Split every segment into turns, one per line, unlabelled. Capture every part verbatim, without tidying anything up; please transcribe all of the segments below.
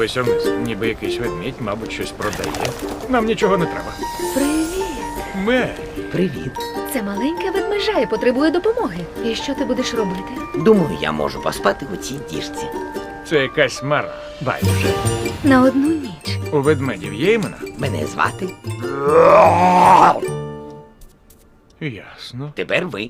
Подивися вниз. Ніби якийсь ведмідь, мабуть, щось продає. Нам нічого не треба.
Привіт.
Мері.
Привіт.
Це маленька ведмежа і потребує допомоги. І що ти будеш робити?
Думаю, я можу поспати у цій діжці.
Це якась мара. Байдуже.
На одну ніч.
У ведмедів є імена?
Мене звати.
Ясно.
Тепер ви.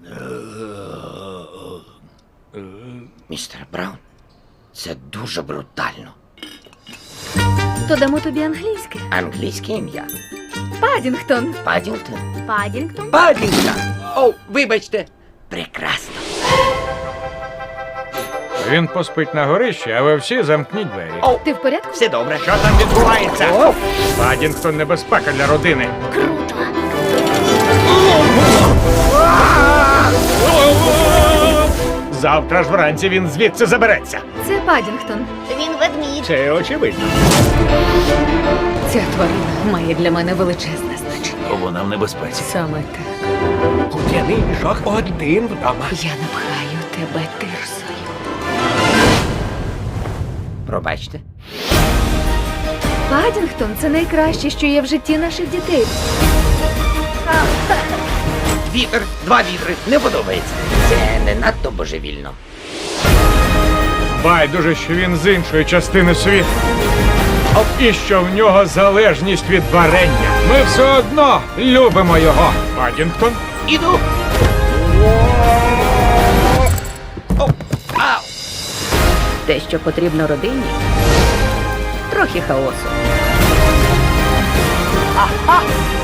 Містер Браун, це дуже брутально.
То дамо тобі англійське.
Англійське ім'я.
Падінгтон.
Падінгтон.
Падінгтон?
Падінгтон. О, вибачте. Прекрасно.
Він поспить на горищі, а ви всі замкніть двері.
О,
Ти в порядку?
все добре.
Що там відбувається?
О,
Падінгтон — небезпека для родини.
Круто.
Завтра ж вранці він звідси забереться.
Це Падінгтон.
Він ведмідь.
Це очевидно.
Ця тварина має для мене величезне значення.
Вона в небезпеці.
Саме так.
Кудяний мішок один вдома.
Я напхаю тебе тирсою.
пробачте.
Падінгтон – це найкраще, що є в житті наших дітей.
Вітер, два вітри, не подобається. Це не надто божевільно.
Байдуже, що він з іншої частини світу. І що в нього залежність від варення. Ми все одно любимо його. Падінгтон?
Іду. О, ау.
Те, що потрібно родині – трохи хаосу.
Ага!